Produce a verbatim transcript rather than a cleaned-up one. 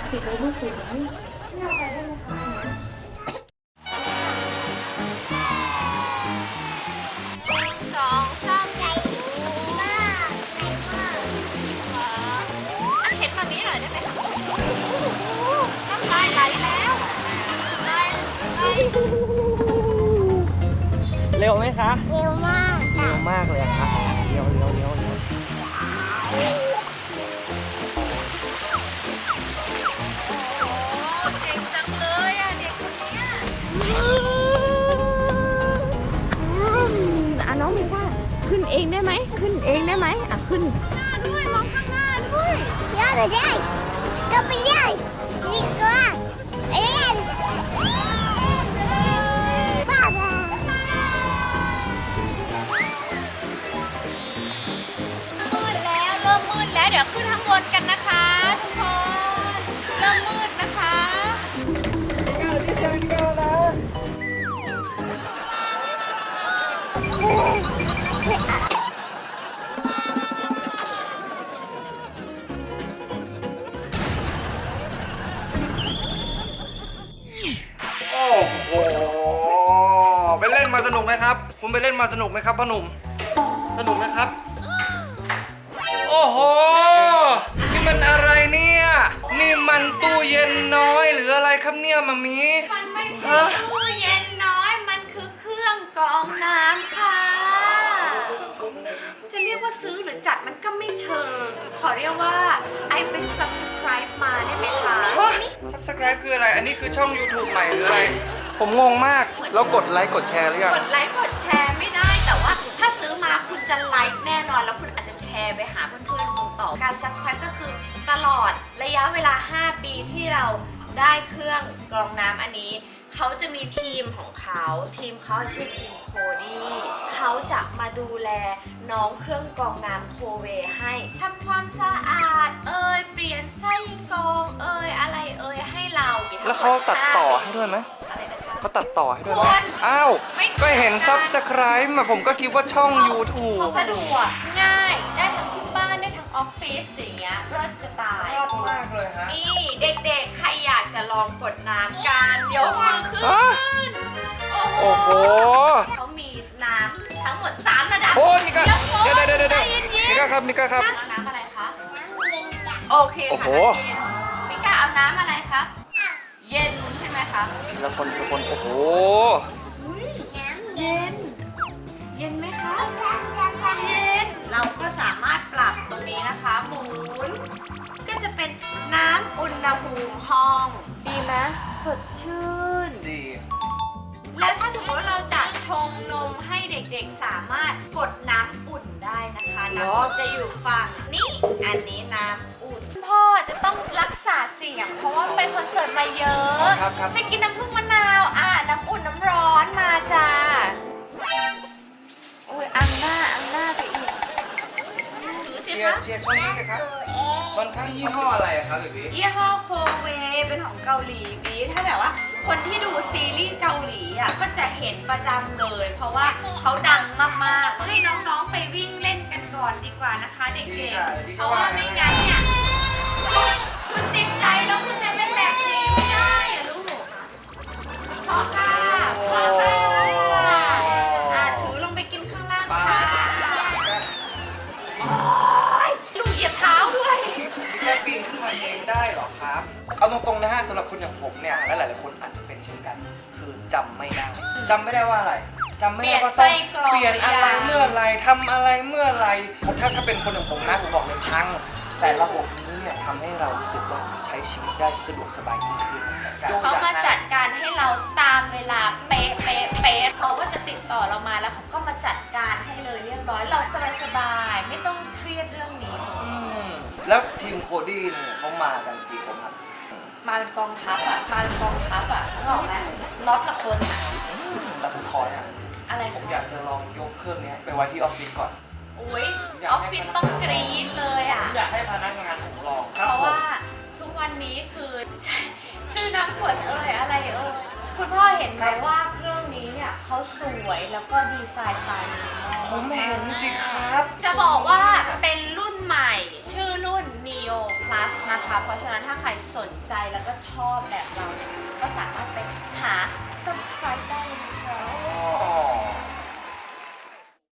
ปิดเลยลูกปิดเลยไม่เอาไปได้ไหมคะสองสามใจมากอันเห็นมามีหน่อยได้ไหมคะน้ำลายไหลแล้วไหลไหลเร็วไหมคะเร็วมากเร็วมากเลยอะครับเร็วเร็วเร็วเร็วเก่งจังเลยอ่ะเด็กคนเนี้ยอ่ะน้องมีว่าขึ้นเองได้ไหมขึ้นเองได้ไหมอ่ะขึ้นหน้าด้วยมองข้างหน้าด้วยย่าไปได้ก็ไปได้นี่ก็ไปเล่นบ้าบ้ามืดแล้วเริ่มมืดแล้วเดี๋ยวขึ้นข้างบนกันนะคะทุกคนเริ่มมืดนะคะโอ้โหไปเล่นมาสนุกไหมครับ คุณไปเล่นมาสนุกไหมครับพ่อหนุ่มสนุกไหมครับ โอ้โหนี่มันอะไรเนี่ยนี่มันตู้เย็นน้อยหรืออะไรครับเนี่ยมามีมันไม่ใช่ตู้เย็นน้อยมันคือเครื่องกรองน้ำค่ะจะเรียกว่าซื้อหรือจัดมันก็ไม่เชิงขอเรียกว่าไอไป subscribe มาได้ไหมคะซับสไครป์คืออะไรอันนี้คือช่อง YouTube ใหม่หรืออะไรผมงงมากแล้วกดไลค์กดแชร์หรือยังกดไลค์กดแชร์ไม่ได้แต่ว่าถ้าซื้อมาคุณจะไลค์แน่นอนแล้วคุณอาจจะแชร์ไปหาเพื่อนๆคุณต่อการ subscribe ก็คือตลอดระยะเวลาห้าปีที่เราได้เครื่องกรองน้ำอันนี้เขาจะมีทีมของเขาทีมเขาชื่อทีมโคดี้เขาจะมาดูแลน้องเครื่องกรองน้ำโคเวให้ทำความสะอาดเอ่ยเปลี่ยนไส้กรองเอ่ยอะไรเอ่ยให้เราแล้วเขาตัดต่อให้ด้วยไหมอะไรนะคะเขาตัดต่อให้ด้วยไหมคนอ้าวไม่ก็เห็นซับสไครป์มาผมก็คิดว่าช่อง YouTube สะดวกง่ายได้ทั้งที่บ้านได้ทั้งออฟฟิศอย่างเงี้ยรถจะตายยอดมากเลยฮะนี่เด็กๆใครอยากจะลองกดน้ำกันยกมือขึ้นฮะโอ้โอ้โหโหเขามีน้ำทั้งหมดสามระดับโอ้มิก้าเดี๋เดี๋ยยว วเดี๋ยวเดี๋ยวใจเดี๋ยวเย็นๆมิก้าครับมิก้าครับน้ำน้ำอะไรคะน้ำเย็นจ้ะโอเคโอ้โหค่ะน้ำเย็นมิก้าเอาน้ำอะไรคะเย็นใช่ไหมคะทีละคนทีละคนโอ้โหอุ๊ยน้ำเย็น เย็นไหมคะจ้ะจ้ะจ้ะเย็นเราก็สามารถปรับตรงนี้นะคะหมุนก็จะเป็นน้ำอุณหภูมิห้อง ดีไหมสดชื่นดีแล้วถ้าสมมติว่าเราจะชงนมให้เด็กๆสามารถกดน้ำอุ่นได้นะคะน้ำอุ่นจะอยู่ฝั่งนี้อันนี้น้ำอุ่นพ่อจะต้องรักษาเสียง เพราะว่าไปคอนเสิร์ตมาเยอะครับครับจะกินน้ำผึ้งมะนาวอ่ะน้ำอุ่นน้ำร้อนมาจ้าโอ้ยอังหน้าอังหน้าไปอีกถือสิเชียร์คะเชียร์ช่องนี้สิครับตัวเองช่องข้างยี่ห้ออะไรอะครับเบบี้ยี่ห้อโคเวเป็นของเกาหลีบีถ้าแบบว่าคนที่ดูซีรีส์เกาหลีอ่ะก็จะเห็นประจำเลย เพราะว่าเขาดังมากๆให้น้องๆไปวิ่งเล่นกันก่อนดีกว่านะคะเด็กๆ เพราะว่าไม่งั้นเนี่ยคุณคุณติดใจแล้วคุณจะเป็นแบบนี้ไม่ได้อะลูกพอค่ะพอค่ะอ่ะถือลงไปกินข้างล่างค่ะโอ๊ยลูกเหยียบเท้าด้วยแค่ปีนขึ้นมาเองได้เหรอครับ เอาตรงๆนะฮะสำหรับคนอย่างผมเนี่ยและหลายๆคนอาจจะเป็นเช่นกัน คือจำไม่ได้จำไม่ได้ว่าอะไรจำไม่ได้ว่าต้องเปลี่ยนอะไรเมื่อไรทำอะไรเมื่อไรผมถ้าถ้าเป็นคนอย่างผมนะผมบอกเลยพัง แต่ระบบนี้เนี่ยทำให้เรารู้สึกว่าใช้ชีวิตได้สะดวกสบายยิ่งขึ้นเขามาจัดการให้เราตามเวลาเป๊ะเป๊ะเป๊ะเขาก็จะติดต่อเรามาแล้วเขาก็มาจัดการให้เลยเรียบร้อยเราสบายสบายๆไม่ต้องเครียดเรื่องนี้อืมแล้วทีมโคดี้เนี่ยเขามากันกี่คนครับมาเป็นกองทัพอ่ะมาเป็นกองทัพอ่ะนึกออกไหมน็อตละคนอ่ะแต่ผมขอเนี่ยอะไรผมอยากจะลองยกเครื่องนี้ไปไว้ที่ออฟฟิศก่อนอุ้ยออฟฟิศต้องกรี๊ดเลยอ่ะผมอยากให้พนักงานผมลองเพราะว่าทุกวันนี้คือซื้อน้ำขวดเอ่ยอะไรเอ่ยคุณพ่อเห็นไหมว่าเครื่องนี้เนี่ยเขาสวยแล้วก็ดีไซน์สไตล์ผมเห็นสิครับจะบอกว่าเป็นรุ่นใหม่ชื่อรุ่น Neo Studio Plus นะคะ เพราะฉะนั้นถ้าใครสนใจแล้วก็ชอบแบบเราเนี่ยก็สามารถไป